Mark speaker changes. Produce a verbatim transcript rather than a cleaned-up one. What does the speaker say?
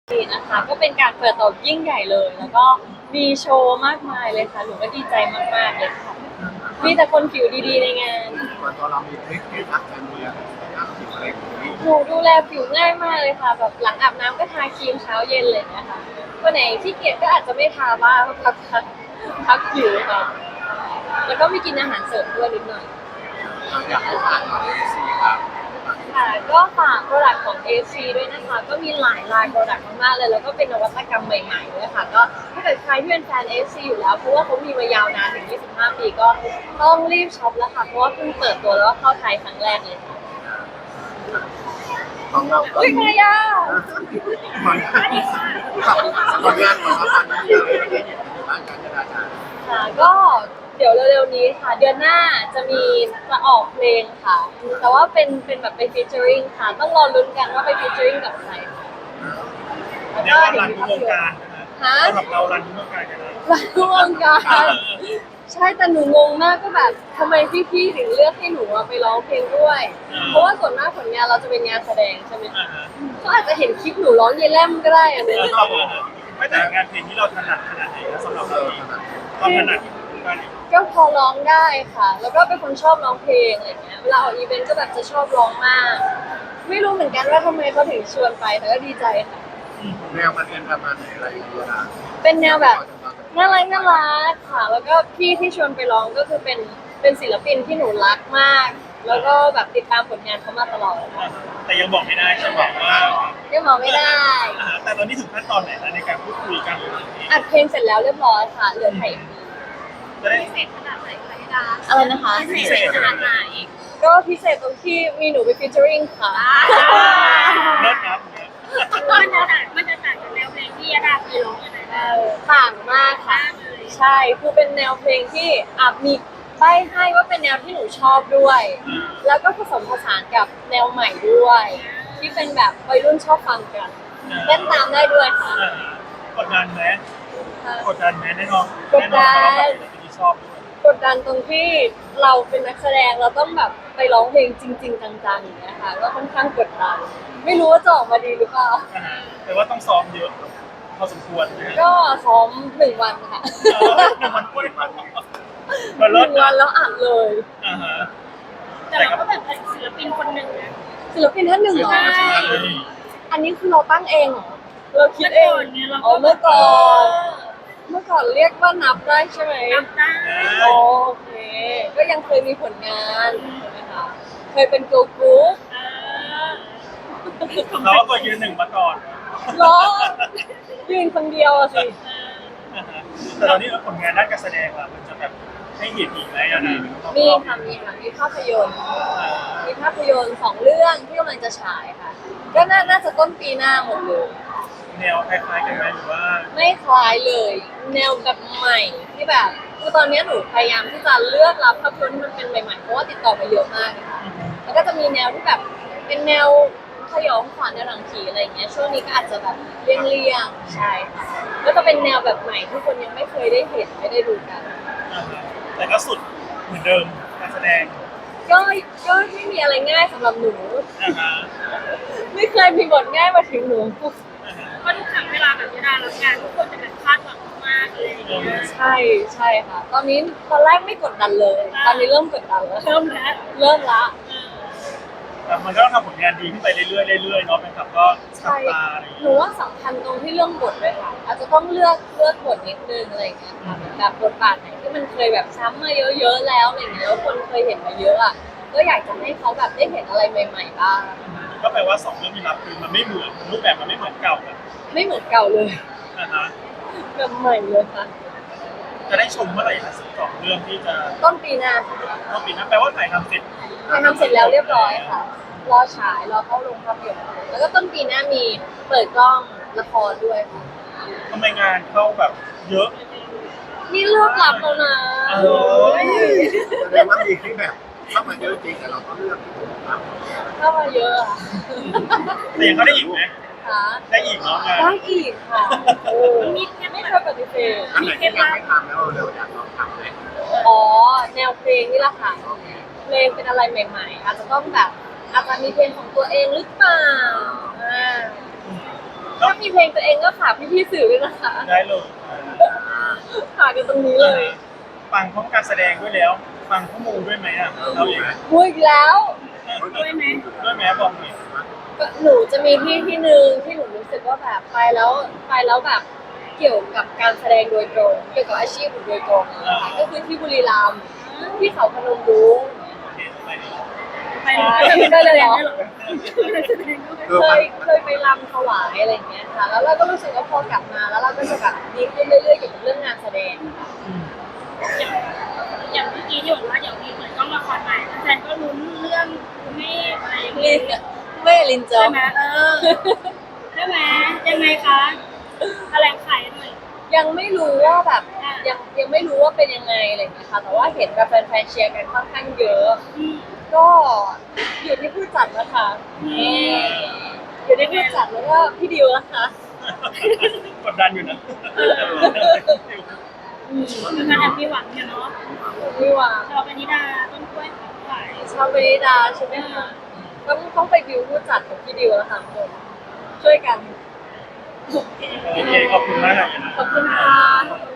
Speaker 1: นี่นะคะก็เป็นการเปิดตัวยิ่งใหญ่เลย แล้วก็มีโชว์มากมายเลยค่ะหนูก็ดีใจมากๆเลยค่ะมีแต่คนผิวดีๆในงาน
Speaker 2: ส่วนตัวเรามีเทคนิครักการเมืองนะครับผิวอะไรอย่างนี้
Speaker 1: หนูดูแลผิวง่ายมากเลยค่ะแบบหลังอาบน้ำก็ทาครีมเช้าเย็นเลยนะคะวันไหนที่เกียจก็อาจจะไม่ทาบ้างพักพักพักผิวค่ะแล้วก็มีกินอาหารเสริมด้วยนิดหน่อย
Speaker 2: เราอยากให้ฝากหน่อยสิครับ
Speaker 1: ค่ะก็ฝากโปรดักต์ของ เอ ซี ด้วยนะคะก็มีหลายลายโปรดักต์มากๆเลยแล้วก็เป็นนวัตกรรมใหม่ๆด้วยค่ะก็ถ้าเกิดใครที่เป็นแฟน เอ ซี อยู่แล้วเพราะว่าเขามีมายาวนานถึงยี่สิบห้าปีก็ต้องรีบช็อปแล้วค่ะเพราะว่าเพิ่งเปิดตัวแล้วก็เข้าไทยครั้งแรกเลยค่ะ
Speaker 2: ของเราก็
Speaker 1: อุ้ยมายา
Speaker 2: ผลงานผลงานของเราตอนนี้มีอะไรที่เห็นในบ้านการจราจร
Speaker 1: ค่ะก็เดี๋ยวเร็วๆนี้ค่ะเดือนหน้าจะมีจะออกเพลงค่ะ แต่ว่าเป็นเป็นแบบไปฟีเจอริงค่ะ ต้องรอลุ้นกันว่าไปฟีเจอริงกับใครค่ะแล้ว
Speaker 3: เรีย
Speaker 1: ก็
Speaker 3: กว่า
Speaker 1: เดี๋ย
Speaker 3: รั
Speaker 1: วน มี
Speaker 3: ทุก
Speaker 1: ภาว พ
Speaker 3: ง
Speaker 1: ยนตร์
Speaker 3: การนะ
Speaker 1: ฮะ
Speaker 3: สำหรับเรารันทุกวงการกันนะ
Speaker 1: รันทุกวงการใช่แต่หนูงงมากก็แบบทำไมพี่ๆถึงเลือกให้หนูอะไปร้องเพลงด้วย เพราะว่าส่วนมากผลงานเราจะเป็นงานแสดงใช่ไหม
Speaker 3: อ่าฮะ
Speaker 1: เขาอาจจะเห็นคลิปหนูร้องเยลแลมก็ได้อะเนี่ย
Speaker 3: เออเออเออไม่แต่งานเพลงที่เราถนัดขนาดไหนนะสำหรับ
Speaker 2: เอ
Speaker 3: เรา
Speaker 2: อ
Speaker 3: เองความถนัดของการ
Speaker 1: ก็พอร้องได้ค่ะ แล้วก็เป็นคนชอบร้องเพลงอะไรเงี้ยเวลาออกอีเวนต์ก็แบบจะชอบร้องมาก ไม่รู้เหมือนกันว่าทำไมเขาถึงชวนไปแต่ก็ดีใจค่ะ
Speaker 2: แนวมันเป็นประมาณไหนอะไรอย่างเงี้ยนะ
Speaker 1: เป็นแนวแบบน่ารักน่ารักค่ะ แล้วก็พี่ที่ชวนไปร้องก็คือเป็นเป็นศิลปินที่หนูรักมาก แล้วก็แบบติดตามผลงานเขามาตลอด
Speaker 3: แต่ยังบอกไม่ได้ใช่ไหมว่า
Speaker 1: ยังบอกไม่ได้
Speaker 3: อ่าแต่ตอนนี้ถึงขั้นตอนไหนแล้วในการพูดคุยกัน
Speaker 1: อัดเพลงเสร็จแล้วเรียบร้อยค่ะเหลือถ่าย
Speaker 3: จะได้
Speaker 1: พิเศษขนาดไหนคะพี่ดาอะไรนะคะ
Speaker 3: พิเศษขนาดไหน
Speaker 1: ก็พิเศษตรงที่มีหนูไปฟีเจอริงค่ะ
Speaker 3: เลิศครับ
Speaker 4: มันจะต่างมันจะต่างจากแนวเพลงที่ยาดาเคยร้องยังไง
Speaker 1: เอ
Speaker 4: บ้าง
Speaker 1: อต่างมากค่ะ ใช่ คือเป็นแนวเพลงที่อ่ะมีใบให้ว่าเป็นแนวที่หนูชอบด้วย แล้วก็ผสมผสานกับแนวใหม่ด้วย ที่เป็นแบบวัยรุ่นชอบฟังกันเต้นตามได้ด้วยค่ะ
Speaker 3: อ่ากดดันไหมกดดันไหมแน่นอน
Speaker 1: กดดัน
Speaker 3: แน่นอนเราเป็นที่ชอบด้วย
Speaker 1: กดดันตรงที่เราเป็นนักแสดงเราต้องแบบไปร้องเพลงจริง ๆ จังๆอย่างเงี้ยค่ะก็ค่อนข้างกดดัน ไม่รู้ว่าจะออกมาดีหรือเปล่า
Speaker 3: อ่าฮะแต่ว่าต้องซ้อมเยอะพอสมควรนะฮะ
Speaker 1: ก็ซ้อมหนึ่งวันค่ะ
Speaker 3: เออหนึ่งวันพูดได้มัน
Speaker 1: ห
Speaker 3: มันเลิ
Speaker 1: นึ่
Speaker 3: ศ
Speaker 1: งวันแล้วอัดเลย
Speaker 3: อ่าฮะ
Speaker 4: แต่เราก็แบบเป็นศิลปินคนหนึ่งนะ
Speaker 1: ศิลปินท่านหนึ่งเหรอ
Speaker 4: ใช่
Speaker 1: อันนี้คือเราตั้งเองเหรอ เราคิดเอง
Speaker 4: เมื่อก่อนเนี่ยเราก็
Speaker 1: อ๋อเมื่อก่อน เมื่อก่อนเรียกว่านับได้ใช่ไหม
Speaker 4: นับได้
Speaker 1: อ๋อโอเค ก็ยังเคยมีผลงานใช่ไหมคะ เคยเป็นเกิร์ลกรุ๊ป
Speaker 4: เออ
Speaker 3: เราก็ยืนหนึ่งมาก่อน
Speaker 1: เหรอ ยืนคนเดียวอะสิ
Speaker 3: อ่าฮะแต่ตอนนี้ผลงานด้านการแสดงล่ะมันจะแบบให้เห็นอีกไหมอ่ะนะ
Speaker 1: มีค่ะมีค่ะมีภาพยนตร์ มีภาพยนตร์สองเรื่องที่กำลังจะฉายค่ะ ก็น่าน่าจะต้นปีหน้าหมดเลย
Speaker 3: แนวคล้ายๆกันไหมหรือว่า
Speaker 1: ไม่คล้ายเลย แนวแบบใหม่ที่แบบคือตอนนี้หนูพยายามที่จะเลือกรับภาพยนตร์ที่มันเป็นใหม่ๆเพราะว่าติดต่อมาเยอะมากเลยค่ะแล้วก็จะมีแนวที่แบบเป็นแนวสยองขวัญแนวหนังผีอะไรอย่างเงี้ยช่วงนี้ก็อาจจะแบบเลี่ยงๆใช่ค่ะก็จะเป็นแนวแบบใหม่ที่คนยังไม่เคยได้เห็นไม่ได้ดูกัน
Speaker 3: อ่าฮะแต่ก็สุดเหมือนเดิมการแสดง
Speaker 1: ก็ก็ไม่มีอะไรง่ายสำหรับหนู
Speaker 3: อ่าฮะ
Speaker 1: ไม่เคยมีบทง่ายมาถึงหนู
Speaker 3: อ่าฮะ
Speaker 4: เพราะทุกครั้งเวลาแบบยาดารับงานทุกคนจะแบบคาดหวังมากเลยอย่างเงี้ย
Speaker 1: ใช่ใช่ค่ะ ตอนนี้ตอนแรกไม่กดดันเลย ตอนนี้เริ่มกดดันแล้ว
Speaker 4: เริ่มแล้ว
Speaker 1: เริ่มละ
Speaker 3: แต่มันก็ต้องทำผลงานดีขึ้นไปเรื่อยๆเรื่อยๆเนาะเป็นครับก็ขับ
Speaker 1: ใช่
Speaker 3: ตาอะไรอย่าง
Speaker 1: ห
Speaker 3: เงี้ย
Speaker 1: นูว่าสำคัญตรงที่เรื่องบทด้วยค่ะ อาจจะต้องเลือกเลือกบทนิดนึงอะไรอย่างเงี้ยค่ะแบบบทบาทไหนที่มันเคยแบบซ้ำมาเยอะๆแล้วอะไรอย่างเงี้ยแล้วคนเคยเห็นมาเยอะอ่ะก็อยากจะให้เขาแบบได้เห็นอะไรใหม่ ๆ บ้าง
Speaker 3: ก็แปลว่าสองเรื่องที่รับคือมันไม่เหมือนรูปแบบมันไม่เหมือนเก่าอะ
Speaker 1: ไม่เหมือนเก่าเลย
Speaker 3: นะฮะ
Speaker 1: แบบใหม่เลยค่ะ
Speaker 3: จะได้ชมเมื่อไหร่นะสองเรื่องที่จะ
Speaker 1: ต้นปีหน้าค่ะ
Speaker 3: ต้องปีหนั้นแปลว่าถ่ายทำเสร็จ
Speaker 1: ถ่ายทำเสร็จแล้วเรียบร้อยค่ะ รอฉายรอเข้าโรงภาพยนตร์แล้วก็ต้นปีหน้ามีเปิดกล้องละครด้วยค่ะ
Speaker 3: ทำไมงานเข้าแบบเยอะ
Speaker 1: นี่เลือกรับแล้วนะ
Speaker 3: เออ
Speaker 2: แสดงว่ามีที่แบบเข้ามาเยอะจริงแต่เราก็เลือกที่ถูกครับ
Speaker 1: เข้ามาเยอะอะ
Speaker 3: แต่ยังเขาได้อีกไหม
Speaker 1: ค่ะ
Speaker 3: ได้อีกเนาะงาน
Speaker 1: ได้อีกค่ะโอ้
Speaker 4: มีแค่
Speaker 1: ไม่
Speaker 4: ไม่
Speaker 1: เค
Speaker 4: เค
Speaker 1: ย
Speaker 4: ย
Speaker 1: ปฏิเสธ
Speaker 2: อันไหนที่ยังไม่ทำแล้วเราอยากลองทำไหม
Speaker 1: อ๋อ แนวเพลงนี่แหละค่ะ เพลงเป็นอะไรใหม่ๆ อาจจะต้องแบบอาจจะมีเพลงของตัวเองหรือเปล่าอ่า
Speaker 3: แล้ว
Speaker 1: ถ้ามีเพลงตัวเองก็ฝากพี่ๆสื่อด้วยนะคะ
Speaker 3: ได้เลย
Speaker 1: ฝากกันตรงนี้เลย
Speaker 3: ฟังพร้อมการแสดงด้วยแล้ว ฟังข้อมูลด้วยไหมอ่ะเราเอง
Speaker 1: พูดอีกแล้ว
Speaker 4: ด้วยไหม
Speaker 3: ด้วยไหมบอกหน่อย
Speaker 1: ก็หนูจะมีที่ที่หนึ่งที่หนูรู้สึกว่าแบบไปแล้วไปแล้วแบบเกี่ยวกับการแสดงโดยตรง เกี่ยวกับอาชีพหนูโดยตรงนะคะก็คือที่บุรีรัมย์ที่เขาพนมรุ้ง
Speaker 3: โอเคไปดี
Speaker 4: ไปเลย
Speaker 1: ได้เลยเหรอ
Speaker 2: เออ
Speaker 1: เค
Speaker 2: มัน
Speaker 1: ยเคยไปรำถวายอะไรอย่างเงี้ยค่ะ แล้วเราก็รู้สึกว่าพอกลับมาแล้วเราก็จะแบบดีขึ้นเรื่อยๆเกี่ยวกับเรื่องงานแสดงค่ะ
Speaker 4: อย่างเมื่อกี้ที่บอกว่าเดี๋ยวมีเปิดกล้องละครใหม่แฟนก็ลุ้นเรื่องไม่อะไรอย่าง
Speaker 1: ลิ
Speaker 4: เงี้ย
Speaker 1: นไม่ลินจอ
Speaker 4: ใช่ไหมเออใช่ไหมยังไงคะแถลงไขหน่อย
Speaker 1: ยังไม่รู้ว่าแบบ
Speaker 4: อ่ะ
Speaker 1: ยังยังไม่รู้ว่าเป็นยังไงอะไรอย่างเงี้ยค่ะ แต่ว่าเห็นแบบแฟนๆเชียร์กันค่อนข้างเยอะ
Speaker 4: อืม
Speaker 1: ก็อยู่ที่ผู้จัดนะคะนี่อยู่ที่ผู้จัดแล้วก็พี่ดิวนะคะ
Speaker 3: กดดันอยู่นะ
Speaker 4: อืมคืองานแอบมีหวังเนี่ยเนาะ
Speaker 1: พี่วาง
Speaker 4: ชาวปณิดาต้นกล้วยขาวขาย
Speaker 1: ชาวเวนิดาใช่ไหมคะต้องต้องไปดิวผู้จัดกับพี่ดิวแล้วค่ะทุกคนช่วยกัน
Speaker 3: โอเคขอบคุณมากเลยนะ
Speaker 1: ขอบคุณค่ะ